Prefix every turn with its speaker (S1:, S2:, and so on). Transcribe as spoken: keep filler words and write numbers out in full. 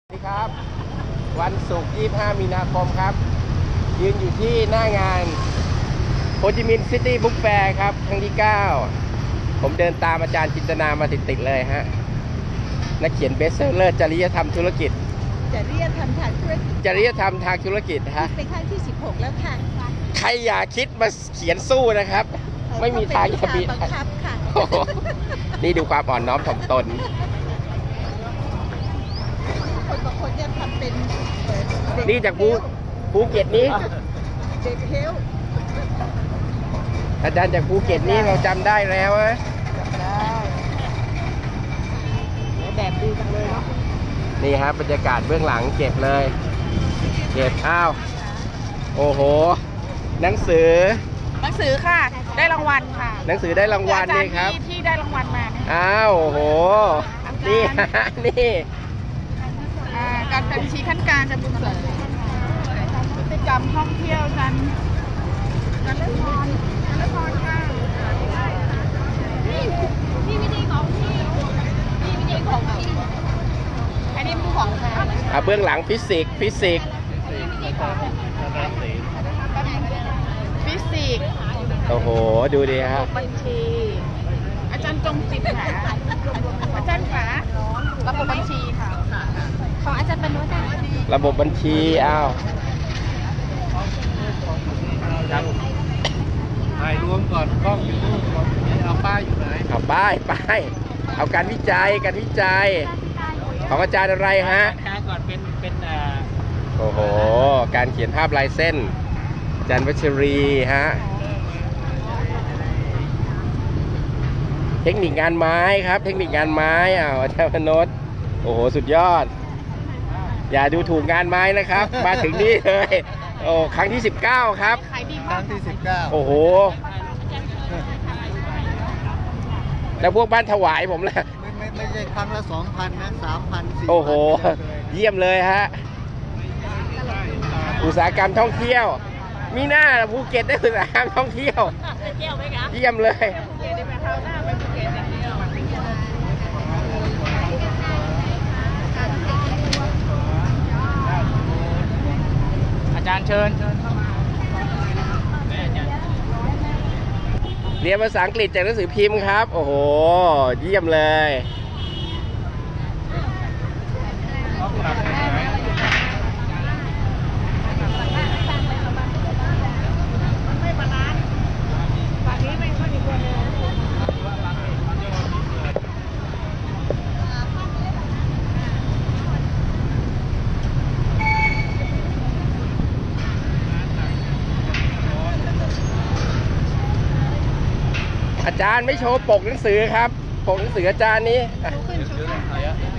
S1: สวัสดีครับวันศุกร์ยี่สิบห้ามีนาคมครับยืนอยู่ที่หน้างานโฮจิมินห์ซิตี้บุ๊กแฟร์ครับครั้งที่เก้าผมเดินตามอาจารย์จินตนามาติดๆเลยฮะนักเขียนเบสเซอร์เลอร์จริยธรรมธุรกิจ
S2: จริยธรรมทางธุรกิจ
S1: จริยธรรมทางธุรกิจฮะ
S2: เป็นครั้งที่สิบหกแล้วค่ะ
S1: ใครอย่าคิดมาเขียนสู้นะครับไม่มีทางจะมี
S2: บังคับค่ะ
S1: นี่ดูความอ่อนน้อมถ่อมตน
S2: คนบางคนเนี่ยทำเป็น
S1: นี่จากภูภูเก็ตนี้
S2: เด็กเฮล
S1: อาจารย์จากภูเก็ตนี้เราจำได้แล้วนะ
S2: จำได้แบบดีจังเลยเนาะ
S1: นี่ครับบรรยากาศเบื้องหลังเก็บเลยเก็บอ้าวโอ้โหหนังสือ
S3: หนังสือค่ะได้รางวัลค่ะ
S1: หนังสือได้รางวัลนี่ครับ
S3: ที่ได้รางวัลมา
S1: อ้าวโอ้โหนี่นี่
S3: การเป็นชี้ขั้นการจะบุญเสริมพฤติกรรมท่องเที่ยวกันการเล่นพรการเล่นพรค่ะนี่นี่ไม่ได้ของพี่นี่ไม่ได้ของพี่อันนี้ผู้ของค่ะ
S1: อ่ะเบื้องหลังฟิสิกส์ฟิสิกส์
S3: ฟิสิกส์
S1: โอ้โหดูดิฮะ
S3: บัญชีอาจารย์จงจิตค่ะอาจารย์ขาระบบบัญชีค่ะของอาจารย์ปนุษย์
S1: ระบบบัญชีอ้าว
S4: ถ่ายรวมก่อนกล้องอยู่นู่นก่อนเอาป้ายอยู่ไหน
S1: เอาป้ายป้ายเอาการวิจัยการวิจัยของอาจารย์อะไรฮะ
S4: การก่อนเป็นเป็นอ่า
S1: โอ้โหการเขียนภาพลายเส้นอาจารย์วัชรีฮะเทคนิคงานไม้ครับเทคนิคงานไม้อ้าวอาจารย์พนศโอ้โหสุดยอดอย่าดูถูกงานไม้นะครับมาถึงนี่เลยโอ้ครั้งที่สิบเก้าครับ
S4: ครั้งที่สิบเก้า
S1: โอ้โหแล้วพวกบ้านถวายผมล่ะ
S4: ไม่ไม่ไม่ใช่ครั้งละสองพันนะสามพันสี่
S1: โอ้โหเยี่ยมเลยฮะอุตสาหกรรมท่องเที่ยวมีหน้าภูเก็ตได้อุตสาหกรรมท่องเที่ยวเยี่ยมเลย
S4: อาจารย์เชิญ
S1: เรียนภาษาอังกฤษจากหนังสือพิมพ์ครับโอ้โหเยี่ยมเลยอาจารย์ไม่โชว์ปกหนังสือครับปกหนังสืออาจารย์นี้